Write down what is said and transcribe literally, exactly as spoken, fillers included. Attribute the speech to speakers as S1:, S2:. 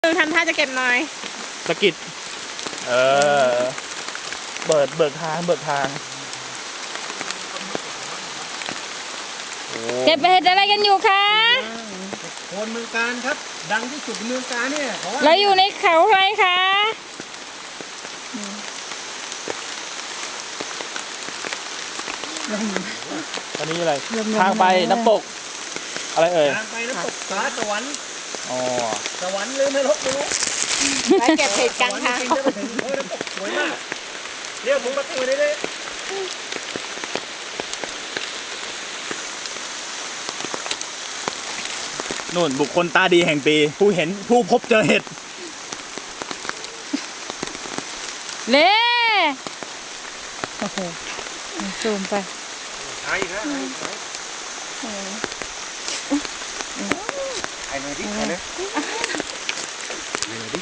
S1: ทำท่าจะเก็บหน่อย
S2: สกิดเออเบิดเบิกทางเบิกทาง
S3: เก็บเห็ดอะไรกันอยู่คะ
S4: โคนเมืองการครับดังที่สุดในเมืองการเนี่ย
S3: เราอยู่ในเขาอะไรคะ
S2: ตอนนี้อะไรทางไปน้ำตกอะไรเอ่ย
S4: ทางไปน้ำตกสาสวรรค์
S2: อ๋อ
S4: สวรรค์หรือไม่ลบไม่รู้
S1: ไปเก็บเห็ดกลางทาง
S4: จริงๆจะไปถึงโอ้น้ำตกสวยมากเรียกผมประตูได้เลย
S2: นู่นบุคคลตาดีแห่งปีผู้เห็นผู้พบเจอเห็ด
S3: เล่โอ้โหซูมไป
S4: หายอีกแล้วหายอีกแล้วหายหน่อยดิหายเลยหายหน่อยดิ